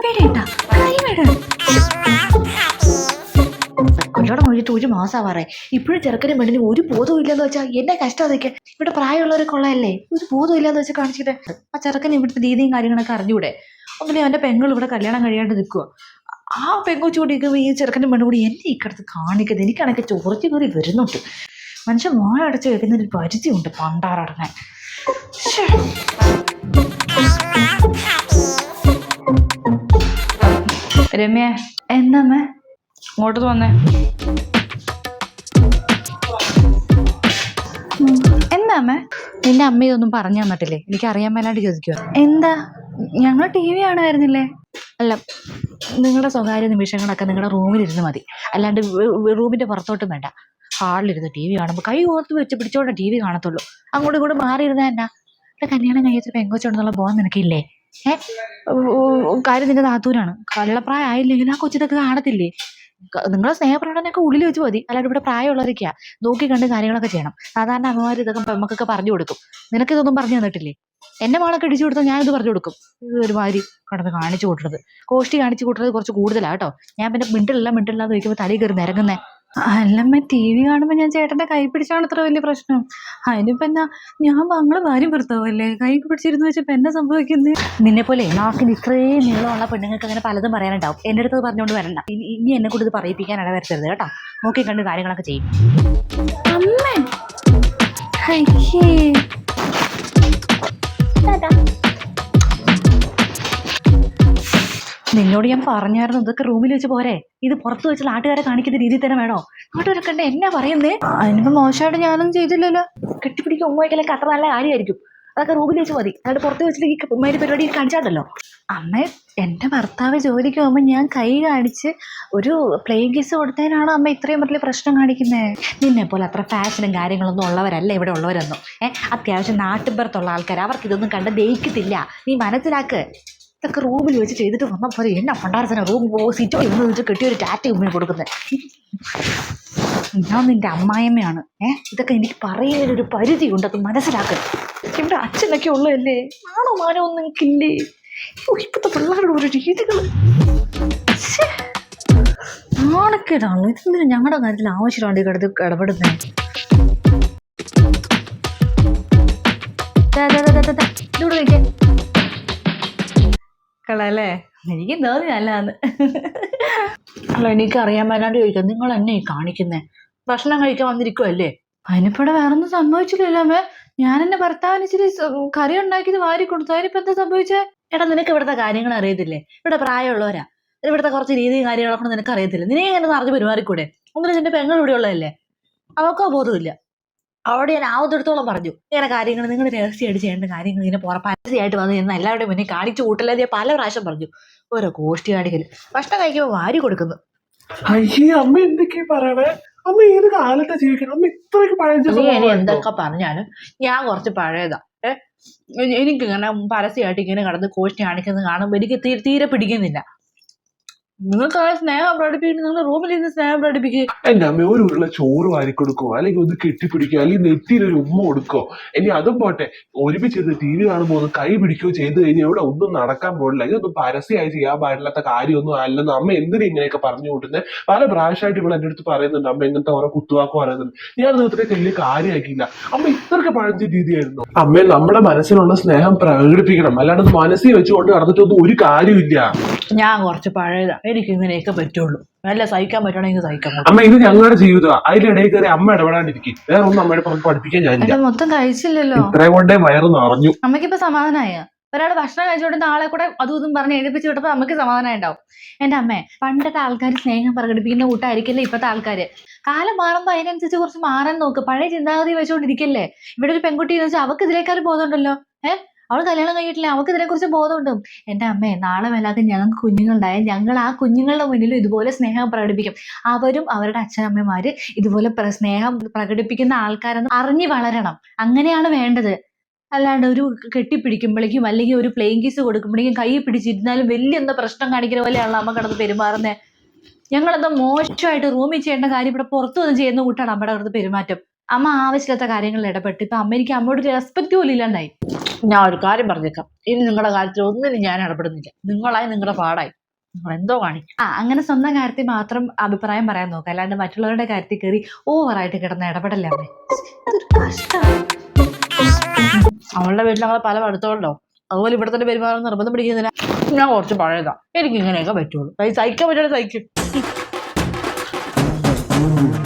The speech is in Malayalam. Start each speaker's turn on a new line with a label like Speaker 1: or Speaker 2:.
Speaker 1: കൈവേടേട്ടാ കൈവേട കൊല്ലോടെ കഴിഞ്ഞിട്ട് 1 മാസമാറേ ഇപ്പോഴും ചെറുക്കനും പെണ്ണിനും ഒരു ബോധവും ഇല്ലെന്ന് വെച്ചാൽ എന്നെ കഷ്ടം അതൊക്കെ. ഇവിടെ പ്രായമുള്ളവരൊക്കെ ഉള്ളതല്ലേ, ഒരു ബോധം ഇല്ലാന്ന് വെച്ചാൽ കാണിച്ചിട്ട് ആ ചെറുക്കൻ ഇവിടുത്തെ രീതിയും കാര്യങ്ങളൊക്കെ അറിഞ്ഞൂടെ. അങ്ങനെ അവന്റെ പെങ്ങൾ ഇവിടെ കല്യാണം കഴിയാണ്ട് നിൽക്കുക. ആ പെങ്കൊച്ചുകൂടി ഈ ചെറുക്കൻ്റെ പെണ്ണും കൂടി എന്നെ ഈ കിടത്ത് കാണിക്കുന്നത്. എനിക്കാണെങ്കിൽ ചോർത്തി കയറി വരുന്നുണ്ട്. മനുഷ്യൻ വായ അടച്ച് വെക്കുന്നതിന് പരിധിയുണ്ട് പണ്ടാറടങ്ങാൻ. രമ്യ എന്നമ്മേ ഇങ്ങോട്ട് വന്നേ. എന്താ അമ്മേ? നിന്റെ അമ്മ ഇതൊന്നും പറഞ്ഞു തന്നിട്ടില്ലേ? എനിക്ക് അറിയാൻ മേലാണ്ട് ചോദിക്കുക. എന്താ? ഞങ്ങൾ ടി വി കാണുമായിരുന്നില്ലേ? അല്ല, നിങ്ങളുടെ സ്വകാര്യ നിമിഷങ്ങളൊക്കെ നിങ്ങളുടെ റൂമിലിരുന്ന് മതി, അല്ലാണ്ട് റൂമിന്റെ പുറത്തോട്ടും വേണ്ട. ഹാളിലിരുന്ന് ടി വി കാണുമ്പോൾ കൈ ഓർത്ത് വെച്ച് പിടിച്ചോണ്ട് ടി വി കാണത്തുള്ളൂ. അങ്ങോട്ടും ഇങ്ങോട്ടും മാറിയിരുന്ന എന്നാ? ഇവിടെ കല്യാണം കഴിച്ചിട്ട് പെങ്കൊച്ചുണ്ടെന്നുള്ള ബോധം നിനക്കില്ലേ? കാര്യം നിന്റെ നാത്തൂരാണ്. കള്ളപ്രായം ആയില്ലെങ്കിൽ ആ കൊച്ചിതൊക്കെ കാണത്തില്ലേ? നിങ്ങളെ സ്നേഹപ്രകടനമൊക്കെ ഉള്ളിൽ വെച്ച് മതി, അല്ലാണ്ട് ഇവിടെ പ്രായമുള്ളവരൊക്കെയാ നോക്കി കണ്ട് കാര്യങ്ങളൊക്കെ ചെയ്യണം. സാധാരണ അമ്മമാർ ഇതൊക്കെ പെമ്മക്കൊക്കെ പറഞ്ഞു കൊടുക്കും. നിനക്കിതൊന്നും പറഞ്ഞു തന്നിട്ടില്ലേ? എന്നെ മോളൊക്കെ ഇടിച്ചു കൊടുത്താൽ ഞാനിത് പറഞ്ഞു കൊടുക്കും. ഇത് ഒരുമാതിരി കടന്ന് കാണിച്ചു കൂട്ടുന്നത്, കോഷ്ടി കാണിച്ചു കൂട്ടുന്നത് കുറച്ച് കൂടുതലാണ് കേട്ടോ. ഞാൻ പിന്നെ മിണ്ടില്ലാന്ന് ചോദിക്കുമ്പോൾ തലയിൽ കയറി നിരങ്ങുന്നേ. അല്ലമ്മ, ടി വി കാണുമ്പോൾ ഞാൻ ചേട്ടന്റെ കൈ പിടിച്ചാണ് ഇത്ര വലിയ പ്രശ്നം. അതിനിപ്പോ എന്നാ, ഞാൻ ഞങ്ങള് ഭാര്യം ഭർത്താവല്ലേ, കൈ പിടിച്ചിരുന്നു വെച്ചപ്പോ എന്നാ സംഭവിക്കുന്നത്? നിന്നെ പോലെ നാക്കിന് ഇത്രയും നീളമുള്ള പെണ്ണുങ്ങൾക്ക് അങ്ങനെ പലതും പറയാനുണ്ടാവും. എൻ്റെ അടുത്ത് പറഞ്ഞുകൊണ്ട് വരണ്ട. ഇനി എന്നെ കൂടി ഇത് പറയിപ്പിക്കാൻ ഇടവരുത്തരുത് കേട്ടോ. നോക്കി കണ്ട് കാര്യങ്ങളൊക്കെ ചെയ്യും. അമ്മേ നിന്നോട് ഞാൻ പറഞ്ഞായിരുന്നു ഇതൊക്കെ റൂമിൽ വെച്ച് പോരെ, ഇത് പുറത്ത് വെച്ച് നാട്ടുകാരെ കാണിക്കുന്ന രീതിയിൽ തന്നെ വേണോ? നാട്ടുകാരൊക്കെ ഉണ്ട് എന്നാ പറയുന്നേ? അതിനിപ്പോ മോശമായിട്ട് ഞാനൊന്നും ചെയ്തില്ലല്ലോ. കെട്ടിപ്പിടിക്കും ഉമ്മയ്ക്കലൊക്കെ അത്ര നല്ല കാര്യമായിരിക്കും. അതൊക്കെ റൂമിൽ വെച്ച് മതി, അതായത് പുറത്ത് വെച്ചിട്ട് ഈ ഉമ്മയുടെ പരിപാടി കാണിച്ചാണ്ടല്ലോ. അമ്മ, എൻ്റെ ഭർത്താവ് ജോലിക്ക് പോകുമ്പോൾ ഞാൻ കൈ കാണിച്ച് ഒരു പ്ലെയിൻ കിസ് കൊടുത്തതിനാണോ അമ്മ ഇത്രയും വലിയ പ്രശ്നം കാണിക്കുന്നത്? നിന്നെ പോലെ അത്ര ഫാഷനും കാര്യങ്ങളൊന്നും ഉള്ളവരല്ല ഇവിടെ ഉള്ളവരൊന്നും. അത്യാവശ്യം നാട്ടിൻപുറത്തുള്ള ആൾക്കാർ, അവർക്ക് ഇതൊന്നും കണ്ട് ദഹിക്കത്തില്ല. നീ മനസ്സിലാക്ക്. ഇതൊക്കെ റൂമിൽ വെച്ച് ചെയ്തിട്ട് വന്നാൽ പോലെ എന്നാ പണ്ടാരത്തിന് റൂം സിറ്റോ ഇന്ന് വെച്ച് കെട്ടിയൊരു ടാറ്റ ഉമ്മിന് കൊടുക്കുന്നത്. ഞാൻ നിന്റെ അമ്മായിമ്മയാണ്. ഇതൊക്കെ എനിക്ക് പറയുന്നതിനൊരു പരിധി ഉണ്ട്, അത് മനസ്സിലാക്കുക. ഇവിടെ അച്ഛനൊക്കെ ഉള്ളതല്ലേ, ആണോ മാനോ ഒന്നും എനിക്കില്ലേ? ഇപ്പോഴത്തെ പിള്ളേരുടെ ഒരു രീതികൾ നാണക്കേടാണല്ലോ. ഇതെന്തിനും ഞങ്ങളുടെ കാര്യത്തിൽ ആവശ്യമാണ് കിടന്ന് ഇടപെടുന്നത്. ഇവിടെ വയ്ക്കേ കളല്ലേ, എനിക്ക് തോന്നി നല്ലതാന്ന്. അല്ല, എനിക്കറിയാൻ മേലാണ്ട് ചോദിക്കാം, നിങ്ങൾ എന്നെ ഈ കാണിക്കുന്നേ? ഭക്ഷണം കഴിക്കാൻ വന്നിരിക്കുവല്ലേ? അതിനിപ്പടെ വേറൊന്നും സംഭവിച്ചില്ലല്ലോ അമ്മേ. ഞാൻ എന്റെ ഭർത്താവിന് ഇച്ചിരി കറി ഉണ്ടാക്കിയത് വാരി കൊടുത്തു, അതിനിപ്പോ എന്താ സംഭവിച്ചേ? എടാ, നിനക്ക് ഇവിടുത്തെ കാര്യങ്ങൾ അറിയത്തില്ലേ? ഇവിടെ പ്രായമുള്ളവരാ, ഇവിടുത്തെ കുറച്ച് രീതിയും കാര്യങ്ങളൊക്കെ നിനക്ക് അറിയത്തില്ല. നിന്നെ എങ്ങനെ അറിഞ്ഞ് പെരുമാറിക്കൂടെ? ഒന്നിനും നിന്റെ പെങ്ങൾ ഇവിടെ ഉള്ളതല്ലേ, അവൾക്കോ ബോധമില്ല. അവിടെ ഞാൻ ആവത്തെടുത്തോളം പറഞ്ഞു, ഇങ്ങനെ കാര്യങ്ങൾ നിങ്ങൾ രഹസ്യമായിട്ട് ചെയ്യേണ്ട കാര്യങ്ങൾ ഇങ്ങനെ പരസ്യമായിട്ട് വന്ന് നിന്ന് എല്ലാവരുടെയും മുന്നേ കാണിച്ചു കൂട്ടല്ലേ പല പ്രാവശ്യം പറഞ്ഞു. ഓരോ ഗോഷ്ടി കാണിക്കല്. ഭക്ഷണം കഴിക്കുമ്പോൾ വാരി കൊടുക്കുന്നു.
Speaker 2: അയ്യേ, അമ്മ എന്തൊക്കെയാ പറയണേ? അമ്മ ഏത് കാലത്താ ജീവിക്കണം? അമ്മ ഇത്രയൊക്കെ പഴയ
Speaker 1: എന്തൊക്കെ പറഞ്ഞാലും ഞാൻ കുറച്ച് പഴയതാ. എനിക്കിങ്ങനെ പരസ്യമായിട്ട് ഇങ്ങനെ കടന്ന് ഗോഷ്ടി കാണിക്കുന്നത് കാണുമ്പോൾ എനിക്ക് തീരെ പിടിക്കുന്നില്ല. നിങ്ങൾക്ക് ആ സ്നേഹം പ്രകടിപ്പിക്കുന്നു, നിങ്ങൾ റൂമിൽ നിന്ന് സ്നേഹം പ്രകടിപ്പിക്കുക.
Speaker 2: എന്റെ അമ്മ ഒരു ഉള്ള ചോറ് വാരി കൊടുക്കോ, അല്ലെങ്കിൽ ഒന്ന് കെട്ടിപ്പിടിക്കോ, അല്ലെങ്കിൽ നെറ്റിയിലൊരു ഉമ്മ കൊടുക്കോ. ഇനി അതും പോട്ടെ, ഒരുമിച്ചിരുന്ന് ടി വി കാണുമ്പോൾ ഒന്ന് കൈ പിടിക്കുകയോ ചെയ്ത് കഴിഞ്ഞാൽ ഇവിടെ ഒന്നും നടക്കാൻ പോടില്ല. ഇതൊന്നും പരസ്യമായി ചെയ്യാൻ പാടില്ലാത്ത കാര്യമൊന്നും അല്ലെന്ന് അമ്മ എന്തിനാ ഇങ്ങനെയൊക്കെ പറഞ്ഞു കൂട്ടുന്നത്? പല പ്രാവശ്യമായിട്ട് ഇവിടെ എന്റെ അടുത്ത് പറയുന്നുണ്ട് അമ്മ ഇങ്ങനത്തെ ഓരോ കുത്തുവാക്ക് പറയുന്നുണ്ട്. ഞാൻ ഇത്രയൊക്കെ വലിയ കാര്യമാക്കിയില്ല. അമ്മ ഇത്രയൊക്കെ പഴഞ്ച രീതിയായിരുന്നു. അമ്മ, നമ്മുടെ മനസ്സിലുള്ള സ്നേഹം പ്രകടിപ്പിക്കണം, അല്ലാണ്ട് മനസ്സിൽ വെച്ചുകൊണ്ട് നടന്നിട്ടൊന്നും ഒരു കാര്യമില്ല.
Speaker 1: ഞാൻ കുറച്ച് പഴയതാ, എനിക്ക് ഇങ്ങനെയൊക്കെ പറ്റുള്ളൂ. നല്ല സഹിക്കാൻ പറ്റണമെങ്കിൽ സഹിക്കാം.
Speaker 2: അമ്മ, ഇത് ഞങ്ങളുടെ ജീവിതമാണ്, അതിലിടയിൽ കയറി അമ്മ ഇടപെടാണ്ടിരിക്കും. വേറെ ഒന്നും അമ്മയുടെ പുറത്ത് പഠിപ്പിക്കാൻ ഞാനില്ല.
Speaker 1: മൊത്തം കഴിച്ചില്ലല്ലോ,
Speaker 2: ഇത്രയും കൊണ്ടേ വയറ് നിറഞ്ഞു.
Speaker 1: അമ്മയ്ക്കിപ്പോ സമാധാനമായ? ഒരാൾ ഭക്ഷണം കഴിച്ചുകൊണ്ട് ആളെ കൂടെ അതും ഇതും പറഞ്ഞ് എഴുതിപ്പിച്ച് വിട്ടപ്പോൾ അമ്മയ്ക്ക് സമാധാനം ഉണ്ടാവും. എന്റെ അമ്മേ, പണ്ടത്തെ ആൾക്കാർ സ്നേഹം പ്രകടിപ്പിക്കുന്ന കൂട്ടായിരിക്കില്ലേ ഇപ്പത്തെ ആൾക്കാര്. കാലം മാറുമ്പോൾ അതിനനുസരിച്ച് കുറച്ച് മാറാൻ നോക്ക്. പഴയ ചിന്താഗതി വെച്ചുകൊണ്ടിരിക്കല്ലേ. ഇവിടെ ഒരു പെൺകുട്ടി എന്ന് വെച്ചാൽ അവർക്ക് ഇതിലേക്കാൾ ബോധമുണ്ടല്ലോ. അവൾ കല്യാണം കഴിഞ്ഞിട്ടില്ല, അവൾക്ക് ഇതിനെക്കുറിച്ച് ബോധമുണ്ട്. എൻ്റെ അമ്മേ, നാളെ വല്ലാതെ ഞങ്ങൾക്ക് കുഞ്ഞുങ്ങളുണ്ടായാൽ ഞങ്ങൾ ആ കുഞ്ഞുങ്ങളുടെ മുന്നിലും ഇതുപോലെ സ്നേഹം പ്രകടിപ്പിക്കും. അവരും അവരുടെ അച്ഛനമ്മമാര് ഇതുപോലെ സ്നേഹം പ്രകടിപ്പിക്കുന്ന ആൾക്കാരെന്ന് അറിഞ്ഞു വളരണം. അങ്ങനെയാണ് വേണ്ടത്. അല്ലാണ്ട് ഒരു കെട്ടിപ്പിടിക്കുമ്പോഴേക്കും അല്ലെങ്കിൽ ഒരു പ്ലെയിൻ കിസ് കൊടുക്കുമ്പോഴേക്കും കൈ പിടിച്ചിരുന്നാലും വലിയ എന്താ പ്രശ്നം കാണിക്കുന്ന പോലെയാണല്ലോ അമ്മ കിടന്ന് പെരുമാറുന്നത്. ഞങ്ങളെന്താ മോശമായിട്ട് റൂമിൽ ചെയ്യേണ്ട കാര്യം ഇവിടെ പുറത്തു വന്ന് ചെയ്യുന്ന കൂട്ടാണ് അമ്മയുടെ കിടന്ന് പെരുമാറ്റം. അമ്മ ആവശ്യമില്ലാത്ത കാര്യങ്ങളിൽ ഇടപെട്ട് ഇപ്പൊ അമ്മ എനിക്ക് അമ്മയോട് റെസ്പെക്ട് പോലും ഇല്ലാണ്ടായി. ഞാൻ ഒരു കാര്യം പറഞ്ഞേക്കാം, ഇനി നിങ്ങളുടെ കാര്യത്തിൽ ഒന്നിനും ഞാൻ ഇടപെടുന്നില്ല. നിങ്ങളായി നിങ്ങളുടെ പാടായി.
Speaker 3: എന്തോ കാണിക്കും.
Speaker 1: അങ്ങനെ സ്വന്തം കാര്യത്തിൽ മാത്രം അഭിപ്രായം പറയാൻ നോക്കുക, അല്ലാണ്ട് മറ്റുള്ളവരുടെ കാര്യത്തിൽ കയറി ഓവറായിട്ട് കിടന്ന് ഇടപെടല്ലേ അമ്മേ. ഇതൊരു കഷ്ടമാണ്.
Speaker 3: അവളുടെ വീട്ടിൽ ഞങ്ങൾ പല പഠിത്തമുണ്ടോ, അതുപോലെ ഇവിടെ തന്നെ പെരുമാറുന്ന നിർബന്ധം പിടിക്കുന്നില്ല. ഞാൻ കുറച്ച് പഴയതാ, എനിക്ക് ഇങ്ങനെയൊക്കെ പറ്റുള്ളൂ. സഹിക്കാൻ പറ്റുള്ളൂ സഹിക്കും.